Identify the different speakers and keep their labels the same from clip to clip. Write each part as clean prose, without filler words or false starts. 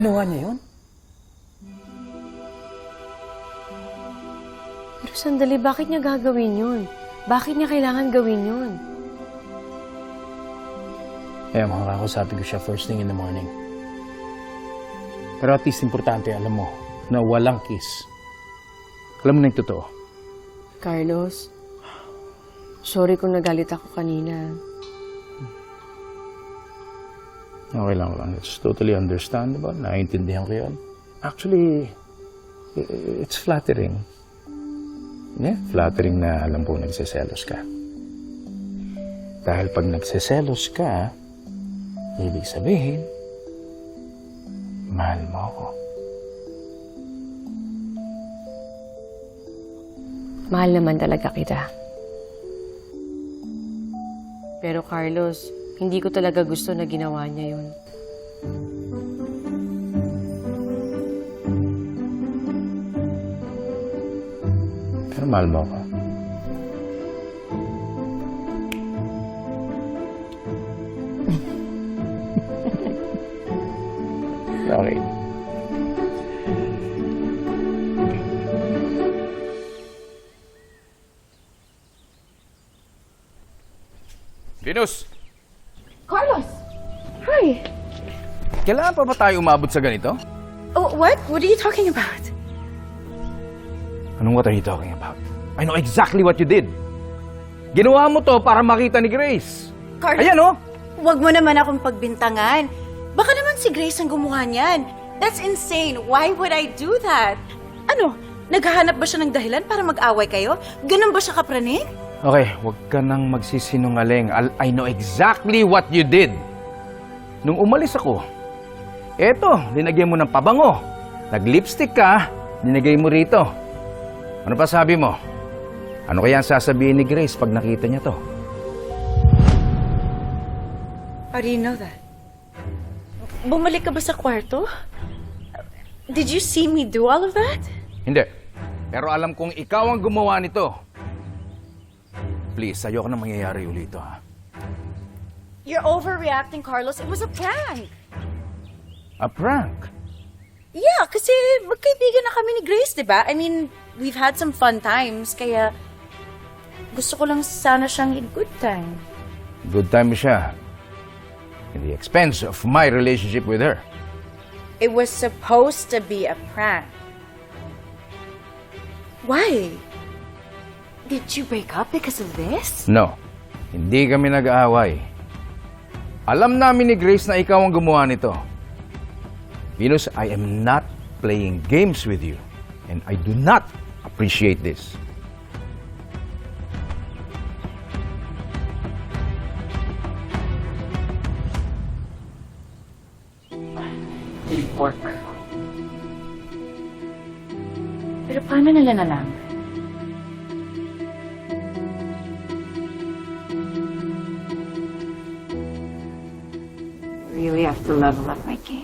Speaker 1: Ginawa niya yun?
Speaker 2: Pero sandali, bakit niya gagawin yun? Bakit niya kailangan gawin yun?
Speaker 1: Kaya makakausapin ko siya first thing in the morning. Pero at least importante, alam mo, na walang kiss. Alam mo na yung totoo.
Speaker 2: Carlos, sorry kung nagalit ako kanina.
Speaker 1: Okay lang. It's totally understandable. Naiintindihan ko yun. Actually, it's flattering. Yeah, flattering na alam po nagsiselos ka. Dahil pag nagsiselos ka, ibig sabihin, mahal mo ako.
Speaker 2: Mahal naman talaga kita. Pero Carlos, hindi ko talaga gusto na ginawa niya yun.
Speaker 1: Pero mahal mo ako. Okay.
Speaker 3: Venus!
Speaker 4: Carlos! Hi!
Speaker 3: Kailangan pa ba tayo umabot sa ganito?
Speaker 4: Oh, what? What are you talking about?
Speaker 3: Anong what are you talking about? I know exactly what you did. Ginawa mo to para makita ni Grace.
Speaker 4: Carlos,
Speaker 3: Ayan oh!
Speaker 4: wag mo naman akong pagbintangan. Baka naman si Grace ang gumawa niyan. That's insane. Why would I do that? Ano? Naghahanap ba siya ng dahilan para mag-away kayo? Ganun ba siya kapraning?
Speaker 3: Okay, huwag ka nang magsisinungaling. I know exactly what you did. Nung umalis ako, eto, linagyan mo ng pabango. Nag-lipstick ka, linagay mo rito. Ano pa sabi mo? Ano kaya ang sasabihin ni Grace pag nakita niya to?
Speaker 4: How do you know that? Bumalik ka ba sa kwarto? Did you see me do all of that?
Speaker 3: Hindi. Pero alam kong ikaw ang gumawa nito. Please, ayoko na mangyayari ulit ito, ha?
Speaker 4: You're overreacting, Carlos. It was a prank.
Speaker 3: A prank?
Speaker 4: Yeah, kasi magkaibigan na kami ni Grace, di ba? I mean, we've had some fun times, kaya gusto ko lang sana siyang in good time.
Speaker 3: Good time siya. In the expense of my relationship with her.
Speaker 4: It was supposed to be a prank. Why? Did you break up because of this?
Speaker 3: No, hindi kami nag-aaway. Alam namin ni Grace na ikaw ang gumawa nito. Venus, I am not playing games with you. And I do not appreciate this.
Speaker 4: Pork. Pero paano nila nalaman? Really have to level up my game.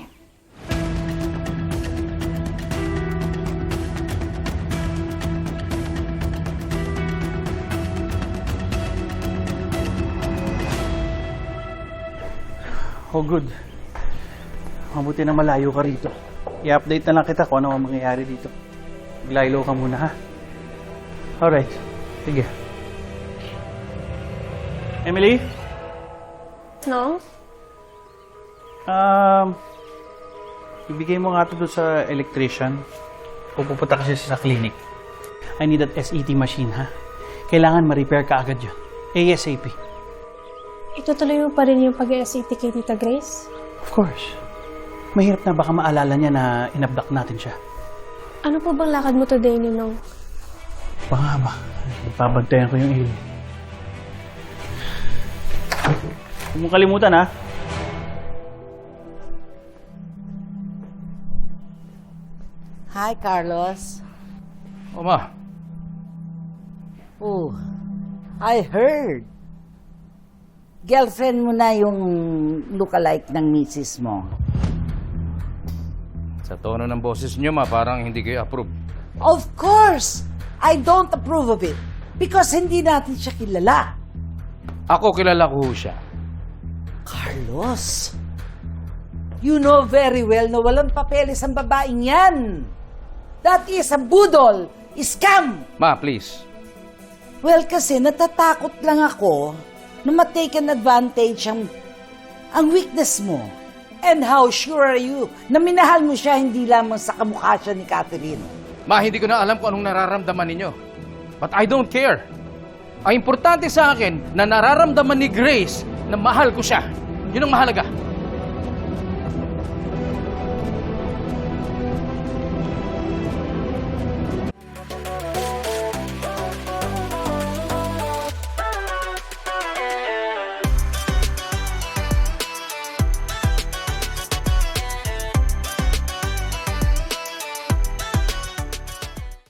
Speaker 5: Oh, good. Mabuti na malayo ka rito. I-update na lang kita kung ano ang mangyayari dito. Maglaylo ka muna, ha? Alright. Sige. Emily?
Speaker 2: No?
Speaker 5: Ibigay mo nga ito doon sa electrician. Pupunta kasi sa clinic. I need that SET machine, ha? Kailangan ma-repair ka agad yun. ASAP.
Speaker 6: Itutuloy mo pa rin yung pag-SAT kay Tita Grace?
Speaker 5: Of course. Mahirap na baka maalala niya na inabdak natin siya.
Speaker 6: Ano po bang lakad mo today, Ninong?
Speaker 5: Baka ba? Ipabantayan ko yung ilaw. Huwag mong kalimutan, ha?
Speaker 7: Hi, Carlos.
Speaker 3: O ma,
Speaker 7: Oh, I heard. Girlfriend mo na yung lookalike ng misis mo.
Speaker 3: sa tono ng boses niyo ma, parang hindi kayo approve.
Speaker 7: Of course, I don't approve of it. Because hindi natin siya kilala.
Speaker 3: Ako kilala ko ho siya.
Speaker 7: Carlos, You know very well na walang papeles ang babaeng yan. That is a budol, scam.
Speaker 3: Ma, please.
Speaker 7: Well, kasi natatakot lang ako na ma-taken advantage ang weakness mo. And how sure are you na minahal mo siya hindi lamang sa kamukha siya ni Catherine?
Speaker 3: Ma, hindi ko na alam kung anong nararamdaman ninyo. But I don't care. Ang importante sa akin na nararamdaman ni Grace na mahal ko siya. Yun ang mahalaga.